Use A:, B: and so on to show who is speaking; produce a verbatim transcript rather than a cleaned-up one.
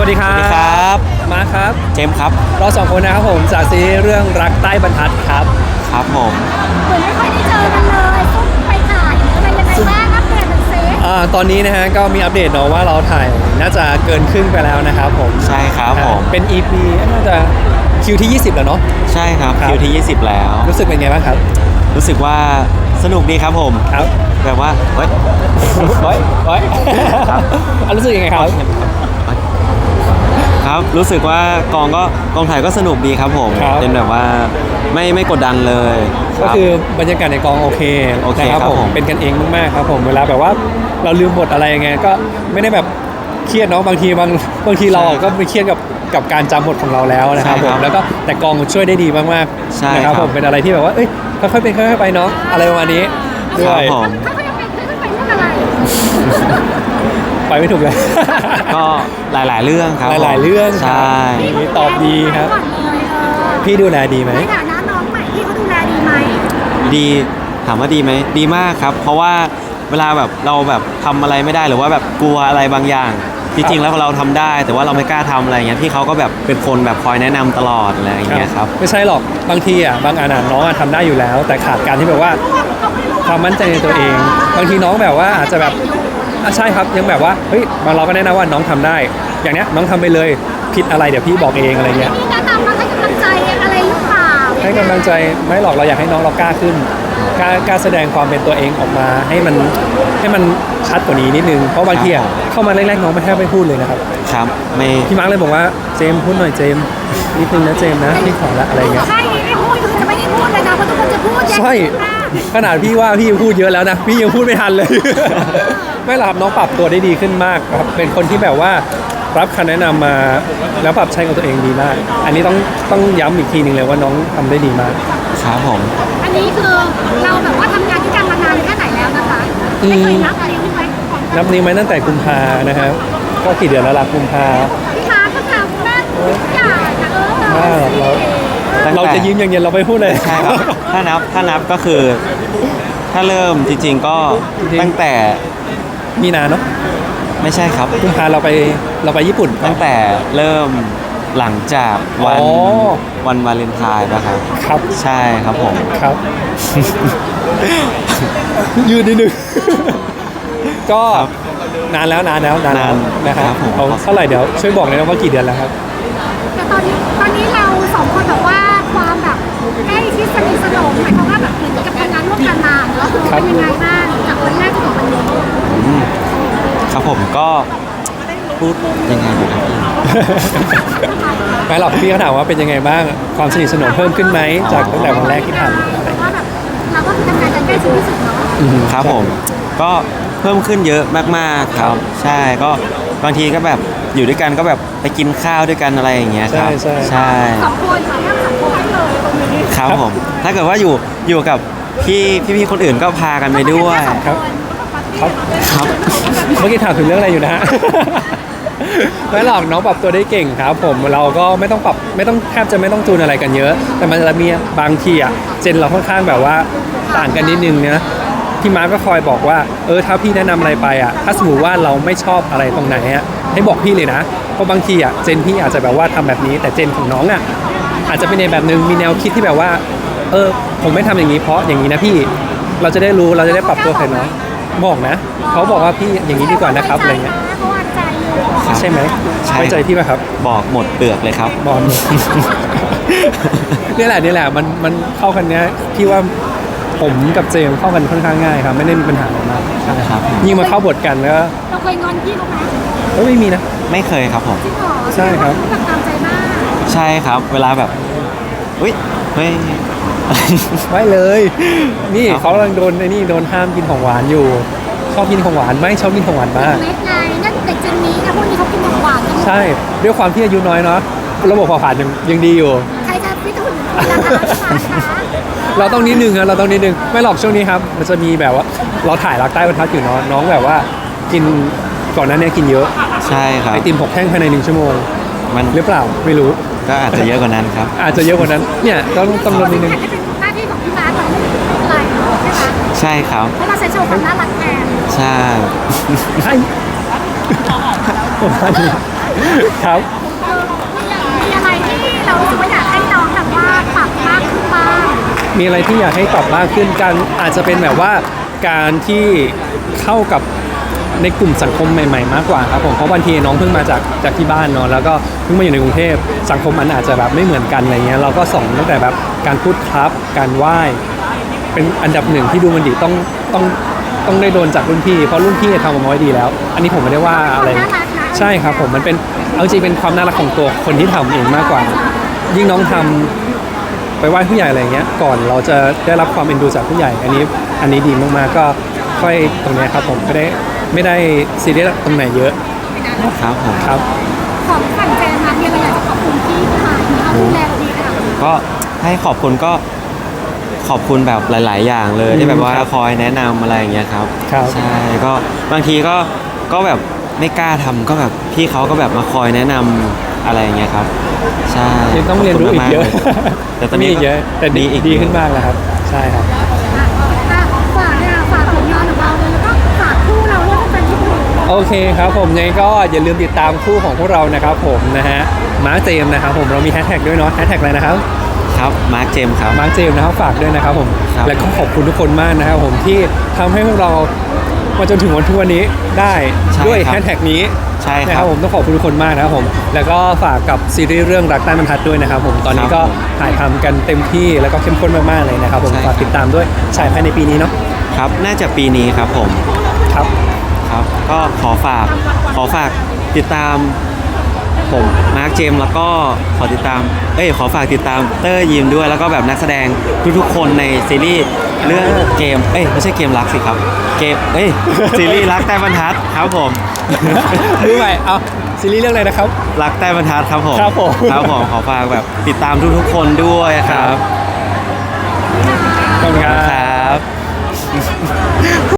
A: วัสดีครับ
B: สวัสดีครับ
A: มาครับ
B: เจมส์ครับ
A: เราสองคนนะครับผมจากซีรีส์เรื่องรักใต้บรรทัดครับ
B: ครับผม
C: เหมือนไม่ค่อยได้เจอกันเลยซุ่มไปถ่ายอะไรยังไงบ้างอัปเดตหน่อยสิ
A: อ่าตอนนี้นะฮะก็มีอัปเดตเนาะว่าเราถ่ายน่าจะเกินครึ่งไปแล้วนะครับผม
B: ใช่ครับผม
A: เป็น อี พี น่าจะคิวที่ยี่สิบแล้วเนาะ
B: ใช่ครับคิวที่ยี่สิบแล้ว
A: รู้สึกเป็นไงบ้างครับ
B: รู้สึกว่าสนุกดีครับผม
A: ครับ
B: แบบว่าเฮ้ย
A: เฮ้ยเฮ้ยรู้สึกยังไงครับ
B: ครับรู้สึกว่ากองก็กองถ่ายก็สนุกดีครับผมเป็นแบบว่าไม่ไม่กดดันเลย
A: ก็คือบรรยากาศในกองโอเค
B: โอเค
A: ครับผมเป็นกันเองมากๆครับผมเวลาแบบว่าเราลืมบทอะไรยังไงก็ไม่ได้แบบเครียดเนาะบางทีบางบางทีเราก็ไปเครียดกับกับการจำบทของเราแล้วนะครับผมแล้วก็แต่กองช่วยได้ดีมากๆนะครับผมเป็นอะไรที่แบบว่าเอ้ยค่อยๆเป็นค่อยๆไปเนาะอะไรประมาณนี้ด้วย
C: เขายังเป็นเขายังเป็นเรื่องอะไร
A: ไปไม่ถูกเลย
B: ก็หลายๆเรื่องครับ
A: หลายๆเรื่อง
B: ใช่
A: ตอบดีครับพี่ดูแลดีไหม
C: ในฐานะน้องใหม่พี่เขาดูแลดีไหม
B: ดีถามว่าดีไหมดีมากครับเพราะว่าเวลาแบบเราแบบทำอะไรไม่ได้หรือว่าแบบกลัวอะไรบางอย่างจริงๆแล้วเราทำได้แต่ว่าเราไม่กล้าทำอะไรเงี้ยพี่เขาก็แบบเป็นคนแบบคอยแนะนำตลอดอะไรอย่างเงี้ยครับ
A: ไม่ใช่หรอกบางทีอ่ะบางอันน้องทำได้อยู่แล้วแต่ขาดการที่แบบว่าความมั่นใจในตัวเองบางทีน้องแบบว่าอาจจะแบบใช่ครับยังแบบว่าเฮ้ยบางเราก็แนะนำว่าน้องทำได้อย่างเนี้ยน้องทำไปเลยผิดอะไรเดี๋ยวพี่บอกเองอะไรเงี้ย
C: มีแนะนำมาให้กำลังใจอะไรหรือเปล่า
A: ให้กำลังใจไม่หรอกเราอยากให้น้องเรากล้าขึ้นกล้ากล้าแสดงความเป็นตัวเองออกมาให้มันให้มันชัดกว่านี้นิดนึงเพราะบางทีเข้ามาแรกๆน้องไม่แทบไม่พูดเลยนะครับ
B: ครับไม่
A: พี่มาร์กเลยบอกว่าเจมพูดหน่อยเจมนิดนึงนะเจมนะพี่ขอละอะไรเงี้ย
C: ใช่ไม่พูดคือจะไม่ได้พูดเลยนะเพราะทุกคนจะพูด
A: ใช่ขนาดพี่ว่าพี่พูดเยอะแล้วนะพี่ยังพูดไม่ทันเลยไม่หรอกครับน้องปรับตัวได้ดีขึ้นมากครับเป็นคนที่แบบว่ารับคำแนะนำมาแล้วปรับใช้กับตัวเองดีมากอันนี้ต้องต้องย้ำอีกทีนึงเลยว่าน้องทำได้ดีมาก
B: ครับผม
C: อันนี้คือเราแบบว่าทำงานที่กันมานานแค่ไหนแล้วนะคะไม่เคยนับนิ้วไหม
A: นับนิ้วไหมตั้งแต่กุมภานะครับก็กี่เดือนแล้วล่ะกุมภา
C: พี่ค้าก็ทำได้ทุกอย่างนะเออ
A: เราเราจะยิ้มอย่างเย็นเราไปพูดเลย
B: ใช่ครับถ้านับถ้านับก็คือถ้าเริ่มจริงๆก็ตั้งแต่
A: มีนาเนาะ
B: ไม่ใช่ครับ
A: กุมภาเราไปเราไปญี่ปุ่น
B: ตั้งแต่เริ่มหลังจากวันวันวาเลนไทน์นะครับ
A: ครับ
B: ใช่ครับผม
A: ครับยืนนิดนึงก็นานแล้วนานแล้วนานแล้วนะครับเอาเท่าไหร่เดี๋ยวช่วยบอกเลยนะว่ากี่เดือนแล้วครับ
C: แต่ตอนนี้ตอนนี้เราสองคนแบบว่าความแบบใกล้ชิดสนิทสนมหมายความว่าแบบเหมือนกับทำงานร่วมกันมาแล้วเป็นยังไงบ้างจากวันแรกจนถึงวันนี้
B: ครับผมก็พูดยังไงอยู่ครับพี่
A: ไม่หรอกพี่เขาถามว่าเป็นยังไงบ้างความสนิทสนมเพิ่มขึ้นไหมจากตั้งแต่วันแรกที่ทำอะไร
C: ว่าแบบเราก็คือทำงานกันใกล้ชิดที่สุดเนาะ
B: ครับผมก็เพิ่มขึ้นเยอะมากๆครับใช่ก็บางทีก็แบบอยู่ด้วยกันก็แบบไปกินข้าวด้วยกันอะไรอย่างเงี้ยครับ
A: ใช่
B: ใช่
C: สองคนค่ะสองคนเลย
B: ครับผมถ้าเกิดว่าอยู่อยู่กับพี่พี่ๆคนอื่นก็พากันไปด้วย
A: ครับ
B: ครับครับ
A: เมื่อกี้ถามถึงเรื่องอะไรอยู่นะฮะไม่หรอกน้องปรับตัวได้เก่งครับผมเราก็ไม่ต้องปรับไม่ต้องแทบจะไม่ต้องจูนอะไรกันเยอะแต่มันจะมีบางทีอ่ะเจนเราค่อนข้างแบบว่าต่างกันนิดนึงนะพี่มาร์ก็คอยบอกว่าเออถ้าพี่แนะนำอะไรไปอ่ะถ้าสมมติว่าเราไม่ชอบอะไรตรงไหนอ่ะให้บอกพี่เลยนะเพราะบางทีอ่ะเจนพี่อาจจะแบบว่าทำแบบนี้แต่เจนของน้องอ่ะอาจจะเป็นในแบบนึงมีแนวคิดที่แบบว่าเออผมไม่ทำอย่างนี้เพราะอย่างนี้นะพี่เราจะได้รู้เราจะได้ปรับตัวกันเนาะบอกนะเขาบอกว่าพี่อย่างนี้ดีกว่านะครับอะไรเงี้ยใช่ไหมไว้ใจพี่ไหมครับ
B: บอกหมดเปลือกเลยครับ
A: บอกนี่แหละนี่แหละมันมันเข้ากันเนี้ยพี่ว่าผมกับเจมเข้ากันค่อนข้างง่ายครับไม่ได้มีปัญหาอะไรมาก
B: ใช่ครับ
A: ยิ่งมาเข้าบทกันแล้ว
C: เราเคยงอนพี่เขาไหม
A: ก็ไม่มีนะ
B: ไม่เคยครับผม
A: ใช่ครับ
C: ตามใจมาก
B: ใช่ครับเวลาแบบอุ้ยเฮ้ย
A: ไม่เลยนี่เขากำลังโดนไอ้นี่โดนห้ามกินของหวานอยู่ชอบกินของหวานไหมชอบกินของหวานมาก
C: เล็กไงนั่นเด็กเจนนี้นะพวกนี้เขากินของหวาน
A: ใช่ด้วยความที่อายุน้อยเนาะระบบเผาผลาญยังยังดีอยู่
C: ใครจะฟิตหุ่นนะคะ
A: เราต้องนิดนึงนะเราต้องนิดนึงไม่หรอกช่วงนี้ครับมันจะมีแบบว่าเราถ่ายรักใต้บรรทัดอยู่เนาะน้องแบบว่ากินก่อนหน้านี้กินเยอะ
B: ใช่ครับ
A: ไอติมหกแท่งภายในหนึ่งชั่วโมง
B: มัน
A: หรือเปล่าไม่รู้
B: ก็อาจจะเยอะกว่านั้นครับ
A: อาจจะเยอะกว่านั้นเนี่ยต้องต้องลดนิดนึง
C: หน้าที่ของพี่มาร์คอะไรใช่ไหม
B: ใช่ครับ
C: เพราะเราใช้โชว์ความน่ารักแทน
B: ใช่
A: ใช่ประมาณนี้ครับ
C: มีอะไรที่เรารู้สึกว่าอยากให้น้องแบบว่าปรับมากขึ้นบ้าง
A: มีอะไรที่อยากให้ปรับมากขึ้นกันอาจจะเป็นแบบว่าการที่เข้ากับในกลุ่มสังคมใหม่ๆมากกว่าครับผมเพราะบางทีน้องเพิ่งมาจากจากที่บ้านเนาะแล้วก็เพิ่งมาอยู่ในกรุงเทพสังคมมันอาจจะแบบไม่เหมือนกันอะไรเงี้ยเราก็สอนตั้งแต่แบบการพูดครับการไหว้เป็นอันดับหนึ่งที่ดูมันดีต้องต้องต้องได้โดนจากรุ่นพี่เพราะรุ่นพี่ทำออกมาไว้ดีแล้ว อันนี้ผมไม่ได้ว่าอะไรใช่ครับผมมันเป็นเอาจริงเป็นความน่ารักของตัวคนที่ทำเองมากกว่า ยิ่งน้องทำไปไหว้ผู้ใหญ่อะไรเงี้ยก่อนเราจะได้รับความเอ็นดูจากผู้ใหญ่ อันนี้อันนี้ดีมากๆก็ค่อยตรงเนี้ยครับผมไม่ได้ไม่ได้ซีเรียสตรงไหนเยอะ
B: ครับผม
A: ครับ
C: ของฝั่งเจนนะมีอะไรอยากจะขอบคุณพี่มาที่เขาดูแลเราดีขนาดนี้
B: ก็ให้ขอบคุณก็ขอบคุณแบบหลาย ๆ อย่างเลย
A: อืม
B: ที่แบบว่า
A: ครับ
B: คอยแนะนำอะไรอย่างเงี้ยครับ
A: ครับ
B: ใช่ก็บางทีก็ก็แบบไม่กล้าทำก็แบบพี่เขาก็แบบมาคอยแนะนำอะไรอย่างเงี้ยครับใช่
A: ยังต้องเรียนรู้อีกเยอะ
B: ขบคุณมากๆเลยแต่ตอน
A: มี
B: นี้
A: อีกเยอะแต่ดี
B: มีอีก
A: ดีขึ้นมากแล้วครับ ใช่ครับ
C: อ่ะอ่ะฝากเนี่ยฝากผลงานของเราเลยแล้วก็ฝากคู่เราด้วยเป็นที่ดู
A: โอเคครับผมยังไงก็อย่าลืมติดตามคู่ของพวกเรานะครับผมนะฮะมาร์คเจมส์นะครับผมเรามีแฮชแท็กด้วยเนาะแฮชแท็กอะไรนะครับ
B: ครับมาร์คเจมส์ครับ
A: มาร์คเจมส์นะครับฝากด้วยนะครับผม
B: ครับ
A: และก็ขอบคุณทุกคนมากนะครับผมที่ทำให้พวกเรามาจนถึงวันทุกวันนี้ได้ด้วยแฮชแท็กนี้
B: ใช่
A: นะ
B: ค
A: ค
B: รั
A: รั
B: บบ
A: ผมต้องขอบคุณทุกคนมากนะครับผมแล้วก็ฝากกับซีรีส์เรื่องรักใต้บรรทัดด้วยนะครับผมตอนนี้ก็
B: ครับผม
A: ถ่ายทำกันเต็มที่แล้วก็เข้มข้นมากๆเลยนะครับผม
B: ใช่
A: ฝากติดตามด้วยฉายภายในปีนี้เนาะ
B: ครับน่าจะปีนี้ครับผม
A: ครับ
B: ครับก็ขอฝากขอฝากติดตามผมมาร์คเจมส์แล้วก็ขอติดตามเอ้ยขอฝากติดตามเตอร์ยิมด้วยแล้วก็แบบนักแสดงทุกๆคนในซีรีส์เรื่องเกมเอ้ยไม่ใช่เกมรักสิครับเกมเอ้ยซีรีส์รักใต้บรรทัดครับผม
A: ดูใหม่เอาซีรีส์เรื่องอะไรนะครับ
B: รักใต้บรรทัดครับผม
A: ครับผม
B: ครับผมขอฝากแบบติดตามทุกๆคนด้วยครับ
A: ขอบคุณครับ
B: ครับ